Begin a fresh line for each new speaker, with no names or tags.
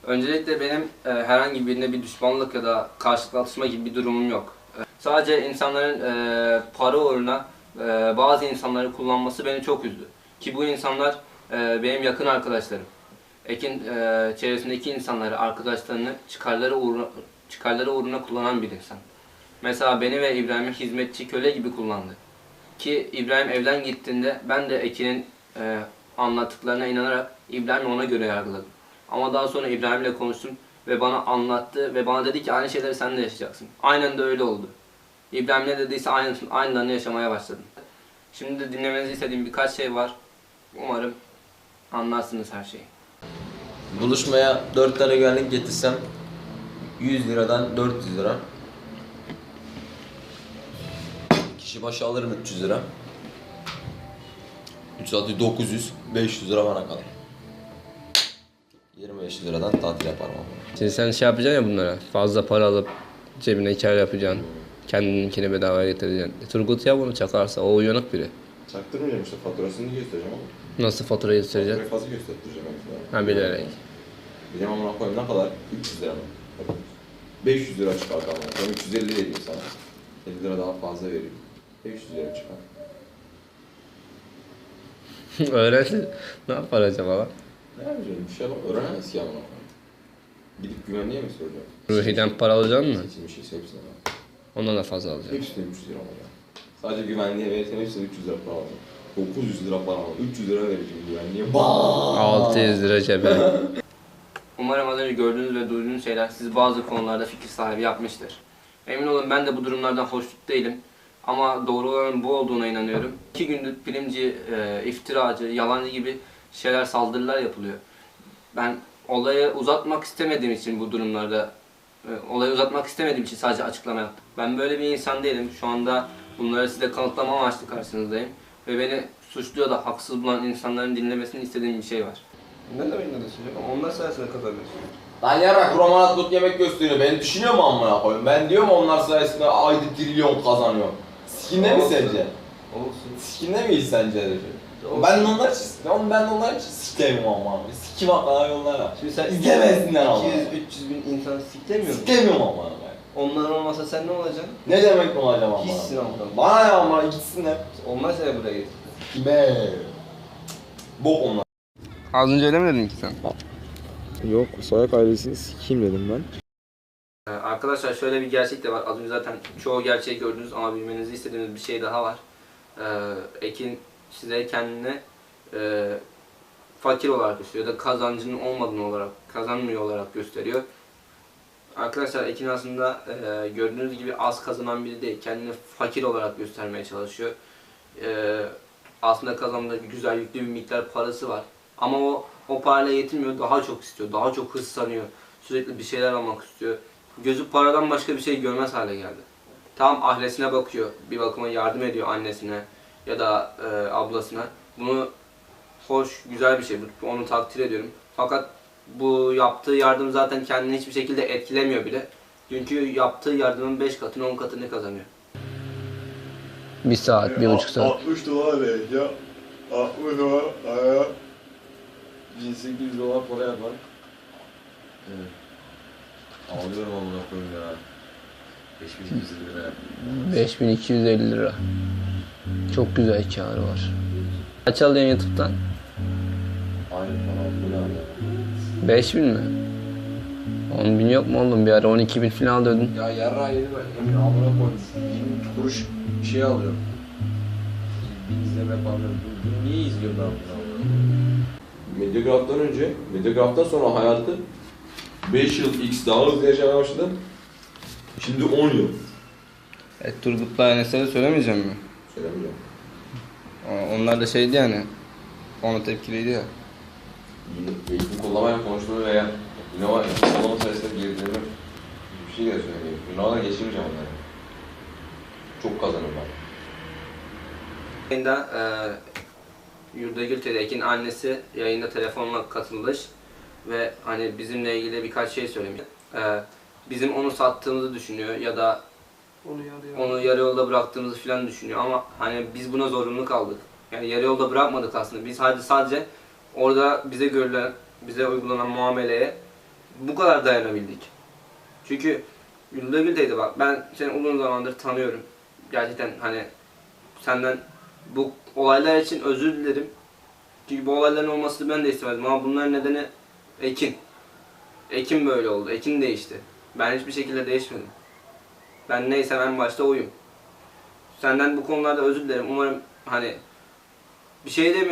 Öncelikle benim herhangi birine bir düşmanlık ya da karşılıklı atışma gibi bir durumum yok. Sadece insanların para uğruna bazı insanları kullanması beni çok üzdü. Ki bu insanlar benim yakın arkadaşlarım. Ekin çevresindeki insanları, arkadaşlarını çıkarları uğruna kullanan bir insan. Mesela beni ve İbrahim'i hizmetçi köle gibi kullandı. Ki İbrahim evden gittiğinde ben de Ekin'in anlattıklarına inanarak İbrahim'i ona göre yargıladım. Ama daha sonra İbrahim'le konuştum ve bana anlattı ve bana dedi ki aynı şeyleri sen de yaşayacaksın. Aynen de öyle oldu. İbrahim ne dediyse aynılarını yaşamaya başladım. Şimdi de dinlemenizi istediğim birkaç şey var. Umarım anlarsınız her şeyi.
Buluşmaya 4 tane güvenlik getirsem 100 liradan 400 lira. Kişi başı alırım 300 lira. 3 atı 900, 500 lira bana kalır. 25 liradan tatil yaparım ama.
Şimdi sen şey yapacaksın ya bunlara, fazla para alıp cebine kar yapacaksın. Kendininkini bedavaya getireceksin. Turgut ya bunu çakarsa, o uyanık biri.
Çaktırmayacağım işte, faturasını göstereceğim ama.
Nasıl faturayı göstereceksin?
Faturayı fazla göstereceğim mesela.
Ha, bilerek.
Bilmem amına koyayım ne kadar? 300 lira mı? 500 lira çıkart ama. Ben 350 vereyim sana. 50 lira daha fazla vereyim. 500 lira çıkar.
Öğrensin. Ne yapar acaba lan?
Ne yapacağım? Bir şey yapamam. Öğrenemez ki amına koyayım. Gidip güvenliğe mi soracağım?
Ruhi'den para alacaksın mı?
Seçilmiş hepsine bak.
Ondan da fazla alacaksın.
Hepsine 300 lira alacağım. Sadece güvenliğe verirsen hepsine 300 lira para alacağım. 900 lira para alacağım. 300 lira vereceğim güvenliğe.
600 lira cebe. Umarım az önce gördüğünüz ve duyduğunuz şeyler sizi bazı konularda fikir sahibi yapmıştır. Emin olun ben de bu durumlardan hoşnut değilim. Ama doğru olanın bu olduğuna inanıyorum. 2 gündür bilimci, iftiracı, yalancı gibi şeyler, saldırılar yapılıyor. Ben olayı uzatmak istemediğim için bu durumlarda, olayı uzatmak istemediğim için sadece açıklama yaptım. Ben böyle bir insan değilim. Şu anda bunları size kanıtlama amaçlı karşınızdayım. Ve beni suçluyor da haksız bulan insanların dinlemesini istediğim bir şey var. Ne demek ne düşünüyorsun? Onlar sayesinde kazanıyorsun.
Lan yarrak romanat dut yemek gösteriyor. Beni düşünüyor mu amına koyayım? Ben diyorum onlar sayesinde ayda trilyon kazanıyorum. Sikinde mi sence?
Olsun.
Sikinde miyiz sence herif? Ben de onlar için, ben de onlar için sikeyim ama. Sikim hakkına yollara.
Şimdi sen
İzlemesinler ama.
200-300 bin insan siklemiyor musun?
Sikemiyorum ama ben.
Onlar olmasa sen ne olacaksın?
Ne demek mi olacağım ama?
Hiçsin ama.
Bana ne ama gitsinler.
Onlar seni buraya getirdi.
Kime? Bok onlar.
Az önce öyle mi dedin ki sen?
Yok, Soyak ailesini sikeyim dedim ben.
Arkadaşlar şöyle bir gerçek de var. Az önce zaten çoğu gerçeği gördünüz ama bilmenizi istediğimiz bir şey daha var. Ekin size kendini fakir olarak gösteriyor ya da kazancının olmadığını olarak, kazanmıyor olarak gösteriyor. Arkadaşlar Ekin aslında gördüğünüz gibi az kazanan biri değil. Kendini fakir olarak göstermeye çalışıyor. Aslında kazandığı güzel yüklü bir miktar parası var. Ama o parayla yetinmiyor, daha çok istiyor, daha çok hırslanıyor. Sürekli bir şeyler almak istiyor. Gözü paradan başka bir şey görmez hale geldi. Tam ailesine bakıyor, bir bakıma yardım ediyor annesine ya da ablasına. Bunu hoş, güzel bir şey, onu takdir ediyorum. Fakat bu yaptığı yardım zaten kendini hiçbir şekilde etkilemiyor bile. Çünkü yaptığı yardımın 5 katını 10 katını kazanıyor. 1 saat, 1,5 saat.
60 dolar vereceğim. 60 dolar aya 1800 dolar para yapar.
Evet. Ağlıyorum amına koyayım ya. 5250 lira.
5250 lira. Çok güzel kârı var. Kaç alıyorsun YouTube'dan?
Aynı para bu ne abi?
5000 mi? 10.000 yok mu oğlum? Bir ara 12.000 falan alıyordun.
Ya yarrağı yedim ben. Emin amına koymuş. 20 kuruş şey alıyorum. Bir izleme falan. Niye izliyorum ben bunu?
Medyagraf'tan önce, Medyagraf'tan sonra hayatı 5 yıl X daha hızlı yaşamaya başladım. Şimdi 10 yıl.
Turgut'la Enes'e söylemeyeceğim mi?
Söylemeyeceğim.
Onlar da şeydi yani. Ona tepkiliydi ya.
Eğitim kullanmayla konuştuğunu veya Ünava kullanma sayesinde gerilerini bir şey de söyleyeyim. Ünava'da geçirmeyeceğim onları. Çok kazanırım ben.
Yayında Yurdagül Tedek'in annesi yayında telefonla katılmış ve hani bizimle ilgili birkaç şey söylemiş. Bizim onu sattığımızı düşünüyor ya da onu yarı yolda bıraktığımızı falan düşünüyor ama hani biz buna zorunlu kaldık. Yani yarı yolda bırakmadık aslında. Biz sadece orada bize uygulanan muameleye bu kadar dayanabildik. Çünkü Gülde teyze bak, ben seni uzun zamandır tanıyorum. Gerçekten hani senden bu olaylar için özür dilerim. Çünkü bu olayların olmasını ben de istemedim ama bunların nedeni Ekin. Ekin böyle oldu. Ekin değişti. Ben hiçbir şekilde değişmedim. Ben neysem en başta oyum. Senden bu konularda özür dilerim. Umarım hani bir şey demiyorum.